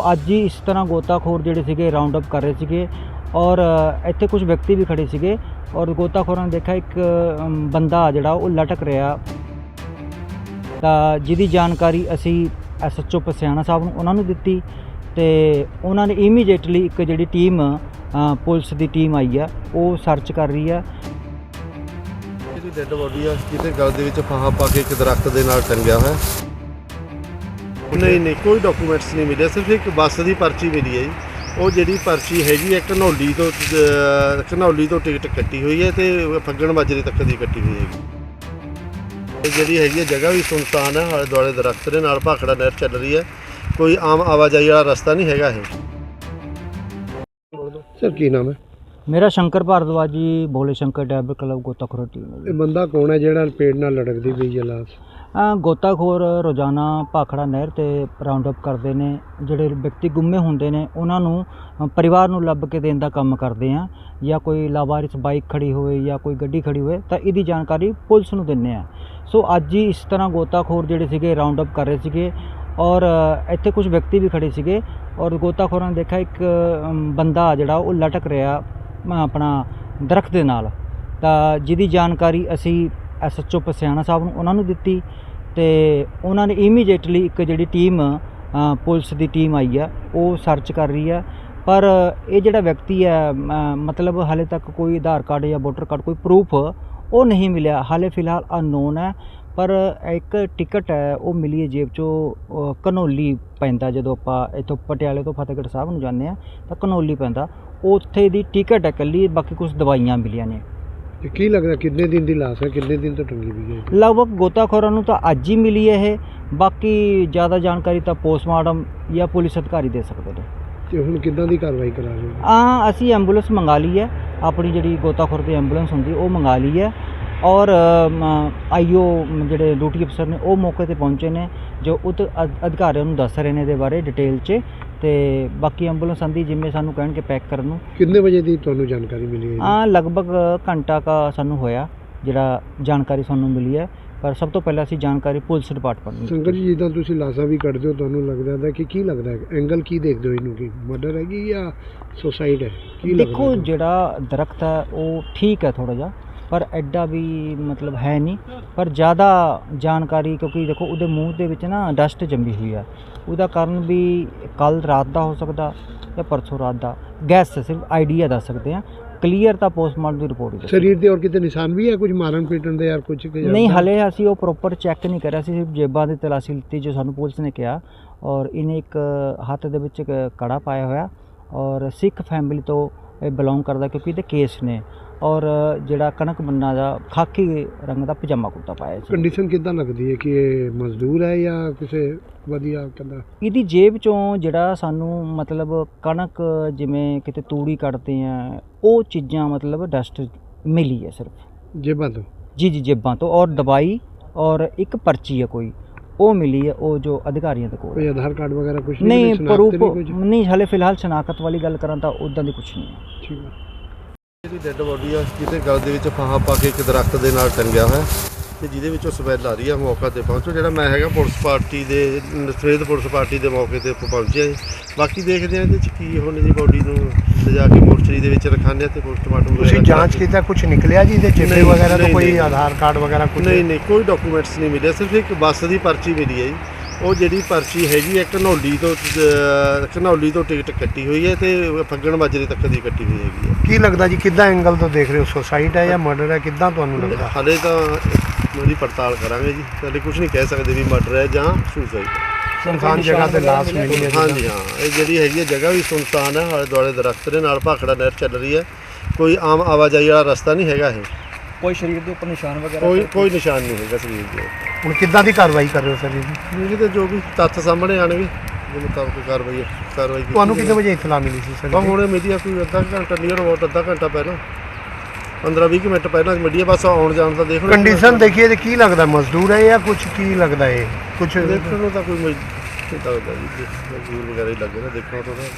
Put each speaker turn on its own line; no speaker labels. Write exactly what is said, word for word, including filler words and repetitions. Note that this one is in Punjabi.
ਅੱਜ ਹੀ ਇਸ ਤਰ੍ਹਾਂ ਗੋਤਾਖੋਰ ਜਿਹੜੇ ਸੀਗੇ ਰਾਉਂਡ ਅਪ ਕਰ ਰਹੇ ਸੀਗੇ ਔਰ ਇੱਥੇ ਕੁਝ ਵਿਅਕਤੀ ਵੀ ਖੜੇ ਸੀਗੇ ਔਰ ਗੋਤਾਖੋਰਾਂ ਨੇ ਦੇਖਿਆ ਇੱਕ ਅਮ, ਬੰਦਾ ਜਿਹੜਾ ਉਹ ਲਟਕ ਰਿਹਾ, ਤਾਂ ਜਿਹਦੀ ਜਾਣਕਾਰੀ ਅਸੀਂ ਐਸ ਐਚ ਓ ਪਸਿਆਣਾ ਸਾਹਿਬ ਨੂੰ ਉਹਨਾਂ ਨੂੰ ਦਿੱਤੀ ਤੇ ਉਹਨਾਂ ਨੇ ਇਮੀਡੀਏਟਲੀ ਇੱਕ ਜਿਹੜੀ ਟੀਮ ਅ, ਪੁਲਿਸ ਦੀ ਟੀਮ ਆਈ ਆ, ਉਹ ਸਰਚ ਕਰ ਰਹੀ ਆ।
ਇਹਦੀ ਡੈੱਡ ਬੋਡੀ ਆ ਜਿਹਦੇ ਗਲ ਦੇ ਵਿੱਚ ਫਾਹਾ ਪਾ ਕੇ ਇੱਕ ਦਰਖਤ ਦੇ ਨਾਲ ਟੰਗਿਆ ਹੋਇਆ। ਨਹੀਂ ਨਹੀਂ ਕੋਈ ਡਾਕੂਮੈਂਟਸ ਨਹੀਂ ਮਿਲਿਆ, ਸਿਰਫ ਇੱਕ ਬੱਸ ਦੀ ਪਰਚੀ ਮਿਲੀ ਹੈ ਜੀ। ਉਹ ਜਿਹੜੀ ਪਰਚੀ ਹੈਗੀ ਹੈ ਘਨੌਲੀ ਤੋਂ ਅ, ਘਨੌਲੀ ਤੋਂ ਟਿਕਟ ਕੱਟੀ ਹੋਈ ਹੈ ਤੇ ਫੱਗਣ ਮਾਜਰੇ ਤੱਕ ਦੀ ਕੱਟੀ ਹੋਈ ਹੈਗੀ। ਇਹ ਜਿਹੜੀ ਹੈਗੀ ਹੈ ਜਗ੍ਹਾ ਵੀ ਸੁਨਸਾਨ ਹੈ, ਆਲੇ ਦੁਆਲੇ ਦਰਖਤ ਦੇ ਨਾਲ ਭਾਖੜਾ ਨਹਿਰ ਚੱਲ ਰਹੀ ਹੈ, ਕੋਈ ਆਮ ਆਵਾਜਾਈ ਵਾਲਾ ਰਸਤਾ ਨਹੀਂ ਹੈਗਾ ਇਹ। ਸਰ ਕੀ ਨਾਮ ਹੈ?
ਮੇਰਾ ਸ਼ੰਕਰ ਭਾਰਦਵਾਜ ਜੀ, ਭੋਲੇ ਸ਼ੰਕਰ ਡਰਾਈਵਰ ਕਲੱਬ ਗੋਤਾਖੋਰ ਟੀਮ ਹੈ।
ਇਹ ਬੰਦਾ ਕੌਣ ਹੈ ਜਿਹੜਾ ਪੇੜ ਨਾਲ ਲੜਕਦੀ ਪਈ ਹੈ ਲਾਸ਼?
ਅ, ਗੋਤਾਖੋਰ ਰੋਜ਼ਾਨਾ ਭਾਖੜਾ ਨਹਿਰ 'ਤੇ ਰਾਉਂਡ ਅਪ ਕਰਦੇ ਨੇ। ਜਿਹੜੇ ਵਿਅਕਤੀ ਗੁੰਮੇ ਹੁੰਦੇ ਨੇ ਉਹਨਾਂ ਨੂੰ ਅ, ਪਰਿਵਾਰ ਨੂੰ ਲੱਭ ਕੇ ਦੇਣ ਦਾ ਕੰਮ ਕਰਦੇ ਆ, ਜਾਂ ਕੋਈ ਲਾਵਾਰਿਸ ਬਾਈਕ ਖੜੀ ਹੋਵੇ ਜਾਂ ਕੋਈ ਗੱਡੀ ਖੜੀ ਹੋਵੇ ਤਾਂ ਇਹਦੀ ਜਾਣਕਾਰੀ ਪੁਲਿਸ ਨੂੰ ਦਿੰਦੇ ਆ। ਸੋ ਅੱਜ ਹੀ ਇਸ ਤਰ੍ਹਾਂ ਗੋਤਾਖੋਰ ਜਿਹੜੇ ਸੀਗੇ ਰਾਉਂਡ ਅਪ ਕਰ ਰਹੇ ਸੀਗੇ ਔਰ ਇੱਥੇ ਕੁਝ ਵਿਅਕਤੀ ਵੀ ਖੜੇ ਸੀਗੇ ਔਰ ਗੋਤਾਖੋਰਾਂ ਨੇ ਦੇਖਿਆ ਇੱਕ ਅਮ, ਬੰਦਾ ਜਿਹੜਾ ਉਹ ਲਟਕ ਰਿਹਾ ਅ, ਆਪਣਾ ਦਰਖਤ ਦੇ ਨਾਲ, ਤਾਂ ਜਿਹਦੀ ਜਾਣਕਾਰੀ ਅਸੀਂ ਐਸ ਐਚ ਓ ਪਸਿਆਣਾ ਸਾਹਿਬ ਨੂੰ ਉਹਨਾਂ ਨੂੰ ਦਿੱਤੀ ਤੇ ਉਹਨਾਂ ਨੇ ਇਮੀਡੀਏਟਲੀ ਇੱਕ ਜਿਹੜੀ ਟੀਮ ਅ, ਪੁਲਿਸ ਦੀ ਟੀਮ ਆਈ ਆ, ਉਹ ਸਰਚ ਕਰ ਰਹੀ ਆ। ਪਰ ਇਹ ਜਿਹੜਾ ਵਿਅਕਤੀ ਹੈ ਅ, ਮਤਲਬ ਹਾਲੇ ਤੱਕ ਕੋਈ ਆਧਾਰ ਕਾਰਡ ਜਾਂ ਵੋਟਰ ਕਾਰਡ ਕੋਈ ਪ੍ਰੂਫ ਉਹ ਨਹੀਂ ਮਿਲਿਆ, ਹਾਲੇ ਫਿਲਹਾਲ ਅਨਨੋਨ ਹੈ। ਪਰ ਇੱਕ ਟਿਕਟ ਹੈ ਉਹ ਮਿਲੀ ਹੈ ਜੇਬ 'ਚੋਂ, ਅ, ਘਨੌਲੀ ਪੈਂਦਾ, ਜਦੋਂ ਆਪਾਂ ਇੱਥੋਂ ਪਟਿਆਲੇ ਤੋਂ ਫਤਿਹਗੜ੍ਹ ਸਾਹਿਬ ਨੂੰ ਜਾਂਦੇ ਹਾਂ ਤਾਂ ਘਨੌਲੀ ਪੈਂਦਾ, ਉੱਥੇ ਦੀ ਟਿਕਟ ਹੈ ਇਕੱਲੀ, ਬਾਕੀ ਕੁਝ ਦਵਾਈਆਂ ਮਿਲੀਆਂ ਨੇ।
ਤੇ ਕੀ ਲੱਗਦਾ ਕਿੰਨੇ ਦਿਨ ਦੀ ਲਾਸ਼ ਹੈ, ਕਿੰਨੇ ਦਿਨ ਤੋਂ ਟੰਗੀ ਵੀ ਹੈ?
ਲਗਭਗ ਗੋਤਾਖੋਰਾਂ ਨੂੰ ਤਾਂ ਅੱਜ ਹੀ ਮਿਲੀ ਹੈ ਇਹ, ਬਾਕੀ ਜ਼ਿਆਦਾ ਜਾਣਕਾਰੀ ਤਾਂ ਪੋਸਟਮਾਰਟਮ ਜਾਂ ਪੁਲਿਸ ਅਧਿਕਾਰੀ ਦੇ ਸਕਦੇ ਨੇ।
ਤੇ ਹੁਣ ਕਿੱਦਾਂ ਦੀ ਕਾਰਵਾਈ ਕਰਾ ਰਹੇ ਹੋ?
ਹਾਂ, ਅਸੀਂ ਐਂਬੂਲੈਂਸ ਮੰਗਾ ਲਈ ਹੈ, ਆਪਣੀ ਜਿਹੜੀ ਗੋਤਾਖੋਰ ਦੀ ਐਂਬੂਲੈਂਸ ਹੁੰਦੀ ਉਹ ਮੰਗਾ ਲਈ ਹੈ ਔਰ ਆਈਓ ਜਿਹੜੇ ਡਿਊਟੀ ਅਫਸਰ ਨੇ ਉਹ ਮੌਕੇ 'ਤੇ ਪਹੁੰਚੇ ਨੇ, ਜੋ ਉਤ ਅਧਿਕਾਰੀਆਂ ਨੂੰ ਦੱਸ ਰਹੇ ਨੇ ਇਹਦੇ ਬਾਰੇ ਡਿਟੇਲ 'ਚ, ਤੇ ਬਾਕੀ ਐਂਬੂਲੈਂਸ ਆਂਦੀ ਜਿਵੇਂ ਸਾਨੂੰ ਕਹਿਣਗੇ ਪੈਕ ਕਰਨ ਨੂੰ।
ਕਿੰਨੇ ਵਜੇ ਦੀ ਤੁਹਾਨੂੰ ਜਾਣਕਾਰੀ ਮਿਲੀ ਹੈ?
ਹਾਂ, ਲਗਭਗ ਘੰਟਾ ਕਾ ਸਾਨੂੰ ਹੋਇਆ ਜਿਹੜਾ ਜਾਣਕਾਰੀ ਸਾਨੂੰ ਮਿਲੀ ਹੈ, ਪਰ ਸਭ ਤੋਂ ਪਹਿਲਾਂ ਅਸੀਂ ਜਾਣਕਾਰੀ ਪੁਲਿਸ ਡਿਪਾਰਟਮੈਂਟ ਨੂੰ।
ਸੰਗਤ ਜੀ, ਜਿੱਦਾਂ ਤੁਸੀਂ ਲਾਸ਼ਾਂ ਵੀ ਕੱਢਦੇ ਹੋ, ਤੁਹਾਨੂੰ ਲੱਗਦਾ ਹੈ ਕਿ ਕੀ ਲੱਗਦਾ ਹੈ, ਐਂਗਲ ਕੀ ਦੇਖਦੇ ਹੋ ਇਹਨੂੰ, ਕਿ ਮਰਡਰ ਹੈਗੀ ਜਾਂ ਸੁਸਾਈਡ ਹੈ? ਕੀ ਲੱਗਦਾ?
ਦੇਖੋ, ਜਿਹੜਾ ਦਰਖਤ ਹੈ ਉਹ ਠੀਕ ਹੈ ਥੋੜ੍ਹਾ ਜਿਹਾ, ਪਰ ਐਡਾ ਵੀ ਮਤਲਬ ਹੈ ਨਹੀਂ, ਪਰ ਜ਼ਿਆਦਾ ਜਾਣਕਾਰੀ, ਕਿਉਂਕਿ ਦੇਖੋ ਉਹਦੇ ਮੂੰਹ ਦੇ ਵਿੱਚ ਨਾ ਡਸਟ ਜੰਮੀ ਹੋਈ ਆ, ਉਹਦਾ ਕਾਰਨ ਵੀ ਕੱਲ੍ਹ ਰਾਤ ਦਾ ਹੋ ਸਕਦਾ ਜਾਂ ਪਰਸੋਂ ਰਾਤ ਦਾ, ਗੈਸ ਸਿਰਫ ਆਈਡੀਆ ਦੱਸ ਸਕਦੇ ਹਾਂ, ਕਲੀਅਰ ਤਾਂ ਪੋਸਟਮਾਰਟਮ ਦੀ ਰਿਪੋਰਟ ਹੀ।
ਸਰੀਰ ਦੇ ਔਰ ਕਿਤੇ ਨਿਸ਼ਾਨ ਵੀ ਹੈ, ਕੁਝ ਮਾਰਨ ਪੀਟਣ ਦੇ, ਯਾਰ ਕੁਝ
ਨਹੀਂ, ਹਲੇ ਅਸੀਂ ਉਹ ਪ੍ਰੋਪਰ ਚੈੱਕ ਨਹੀਂ ਕਰਿਆ ਸੀ, ਸਿਰਫ ਜੇਬਾਂ ਦੀ ਤਲਾਸ਼ੀ ਲਿੱਤੀ ਜੋ ਸਾਨੂੰ ਪੁਲਿਸ ਨੇ ਕਿਹਾ, ਔਰ ਇਹਨੇ ਇੱਕ ਹੱਥ ਦੇ ਵਿੱਚ ਇੱਕ ਕੜਾ ਪਾਇਆ ਹੋਇਆ ਔਰ ਸਿੱਖ ਫੈਮਿਲੀ ਤੋਂ ਇਹ ਬਿਲੋਂਗ ਕਰਦਾ, ਕਿਉਂਕਿ ਇਹਦੇ ਕੇਸ ਨੇ, ਔਰ ਜਿਹੜਾ ਕਣਕ ਬੰਨਾ ਦਾ ਖਾਕੀ ਰੰਗ ਦਾ ਪਜਾਮਾ ਕੁੜਤਾ ਪਾਇਆ ਸੀ।
ਕੰਡੀਸ਼ਨ ਕਿੱਦਾਂ ਲੱਗਦੀ ਹੈ ਕਿ ਇਹ ਮਜ਼ਦੂਰ ਹੈ ਜਾਂ ਕਿਸੇ ਵਧੀਆ ਕਹਿੰਦਾ?
ਇਹਦੀ ਜੇਬ 'ਚੋਂ ਜਿਹੜਾ ਸਾਨੂੰ ਮਤਲਬ ਕਣਕ, ਜਿਵੇਂ ਕਿਤੇ ਤੂੜੀ ਕੱਢਦੇ ਆ, ਉਹ ਚੀਜ਼ਾਂ ਮਤਲਬ ਡਸਟ ਮਿਲੀ ਹੈ ਸਿਰਫ
ਜੇਬਾਂ ਤੋਂ।
ਜੀ ਜੀ ਜੇਬਾਂ ਤੋਂ, ਔਰ ਦਵਾਈ ਔਰ ਇੱਕ ਪਰਚੀ ਹੈ ਕੋਈ, ਉਹ ਮਿਲੀ ਹੈ, ਉਹ ਜੋ ਅਧਿਕਾਰੀਆਂ ਦੇ ਕੋਲ।
ਕੋਈ ਆਧਾਰ ਕਾਰਡ ਵਗੈਰਾ ਕੁਝ
ਨਹੀਂ, ਪ੍ਰੂਫ ਨਹੀਂ, ਹਲੇ ਫਿਲਹਾਲ ਸ਼ਨਾਖਤ ਵਾਲੀ ਗੱਲ ਕਰਾਂ ਤਾਂ ਉੱਦਾਂ ਦੀ ਕੁਛ ਨਹੀਂ ਹੈ।
ਠੀਕ ਹੈ। ਇਹਦੀ ਡੈੱਡ ਬੋਡੀ ਆ ਜਿਹਦੇ ਗਲ ਦੇ ਵਿੱਚ ਫਾਹਾ ਪਾ ਕੇ ਇੱਕ ਦਰਖਤ ਦੇ ਨਾਲ ਟੰਗਿਆ ਹੋਇਆ ਤੇ ਜਿਹਦੇ ਵਿੱਚੋਂ ਸਮੈਲ ਆ ਰਹੀ ਆ। ਮੌਕਾ 'ਤੇ ਪਹੁੰਚੋ, ਜਿਹੜਾ ਮੈਂ ਹੈਗਾ ਪੁਲਿਸ ਪਾਰਟੀ ਦੇ ਸਵੇਦ ਪੁਲਿਸ ਪਾਰਟੀ ਦੇ ਮੌਕੇ 'ਤੇ ਪਹੁੰਚਿਆ। ਬਾਕੀ ਦੇਖਦੇ ਆ ਇਹਦੇ 'ਚ ਕੀ ਹੁਣ ਦੀ ਬੋਡੀ ਨੂੰ ਲਿਜਾ ਕੇ ਮੋਰਚਰੀ ਦੇ ਵਿੱਚ ਰਖਾਉਂਦੇ ਤੇ ਪੋਸਟਮਾਰਟਮ।
ਤੁਸੀਂ ਜਾਂਚ ਕੀਤਾ, ਕੁਝ ਨਿਕਲਿਆ ਜੀ ਇਹਦੇ ਚਿੱਟੇ ਵਗੈਰਾ ਤੋਂ, ਕੋਈ ਆਧਾਰ ਕਾਰਡ ਵਗੈਰਾ ਕੁਝ?
ਨਹੀਂ ਨਹੀਂ ਕੋਈ ਡਾਕੂਮੈਂਟਸ ਨਹੀਂ ਮਿਲਿਆ, ਸਿਰਫ ਇੱਕ ਬੱਸ ਦੀ ਪਰਚੀ ਮਿਲੀ ਹੈ ਜੀ। ਉਹ ਜਿਹੜੀ ਪਰਚੀ ਹੈਗੀ ਹੈ ਘਨੌਲੀ ਤੋਂ ਅ, ਘਨੌਲੀ ਤੋਂ ਟਿਕਟ ਕੱਟੀ ਹੋਈ ਹੈ ਤੇ ਫੱਗਣ ਮਾਜਰੇ ਤੱਕ ਦੀ ਕੱਟੀ ਹੋਈ ਹੈਗੀ ਹੈ।
ਕੀ ਲੱਗਦਾ ਜੀ, ਕਿੱਦਾਂ ਐਂਗਲ ਤੋਂ ਦੇਖ ਰਹੇ ਹੋ, ਸੁਸਾਈਡ ਹੈ ਜਾਂ ਮਰਡਰ ਹੈ, ਕਿੱਦਾਂ ਤੁਹਾਨੂੰ ਲੱਗਦਾ?
ਹਾਲੇ ਤਾਂ ਉਹਦੀ ਪੜਤਾਲ ਕਰਾਂਗੇ ਜੀ, ਹਾਲੇ ਕੁਝ ਨਹੀਂ ਕਹਿ ਸਕਦੇ ਵੀ ਮਰਡਰ ਹੈ ਜਾਂ ਸੁਸਾਈਡ ਹੈ।
ਸੁਨਸਾਨ ਜਗ੍ਹਾ ਤੇ ਲਾਸ਼ ਮਿਲੀ ਹੈ?
ਹਾਂਜੀ ਹਾਂ, ਇਹ ਜਿਹੜੀ ਹੈਗੀ ਹੈ ਜਗ੍ਹਾ ਵੀ ਸੁਨਸਾਨ ਹੈ, ਆਲੇ ਦੁਆਲੇ ਦਰਖਤ ਦੇ ਨਾਲ ਭਾਖੜਾ ਨਹਿਰ ਚੱਲ ਰਹੀ ਹੈ, ਕੋਈ ਆਮ ਆਵਾਜਾਈ ਵਾਲਾ ਰਸਤਾ ਨਹੀਂ ਹੈਗਾ ਇਹ।
ਕੋਈ ਸਰੀਰ ਦੇ ਉੱਪਰ ਨਿਸ਼ਾਨ ਵਗੈਰਾ?
ਕੋਈ ਕੋਈ ਨਿਸ਼ਾਨ ਨਹੀਂ ਹੈਗਾ ਸਰੀਰ ਦੇ।
ਹੁਣ ਕਿੱਦਾਂ ਦੀ ਕਾਰਵਾਈ ਕਰ ਰਹੇ ਹੋ ਸਰ ਜੀ?
ਇਹਦੇ ਤੇ ਜੋ ਵੀ ਤੱਥ ਸਾਹਮਣੇ ਆਣਗੇ ਦੇ ਮੁਤਾਬਕ ਕਾਰਵਾਈ ਕਾਰਵਾਈ ਕੀਤੀ।
ਤੁਹਾਨੂੰ ਕਿੰਨੇ ਵਜੇ ਇਤਲਾ ਮਿਲੀ ਸੀ ਸਰ?
ਹੁਣੇ ਮੀਡੀਆ ਕੋਈ ਅੱਧਾ ਘੰਟਾ ਨੀਅਰ ਅਬਾਊਟ ਅੱਧਾ ਘੰਟਾ ਪਹਿਲਾਂ, ਪੰਦਰਾਂ ਵੀਹ ਮਿੰਟ ਪਹਿਲਾਂ ਮੀਡੀਆ ਬਸ ਆਉਣ ਜਾਣ ਦਾ ਦੇਖ ਲਓ।
ਕੰਡੀਸ਼ਨ ਦੇਖੀਏ ਤੇ ਕੀ ਲੱਗਦਾ, ਮਜ਼ਦੂਰ ਹੈ ਜਾਂ ਕੁਝ ਕੀ ਲੱਗਦਾ? ਇਹ ਕੁਝ
ਦੇਖਣ ਨੂੰ ਤਾਂ ਕੋਈ ਮਜ਼ਦੂਰ ਵਗੈਰਾ ਹੀ ਲੱਗੇ ਨਾ, ਦੇਖਣ ਤੋਂ ਤਾਂ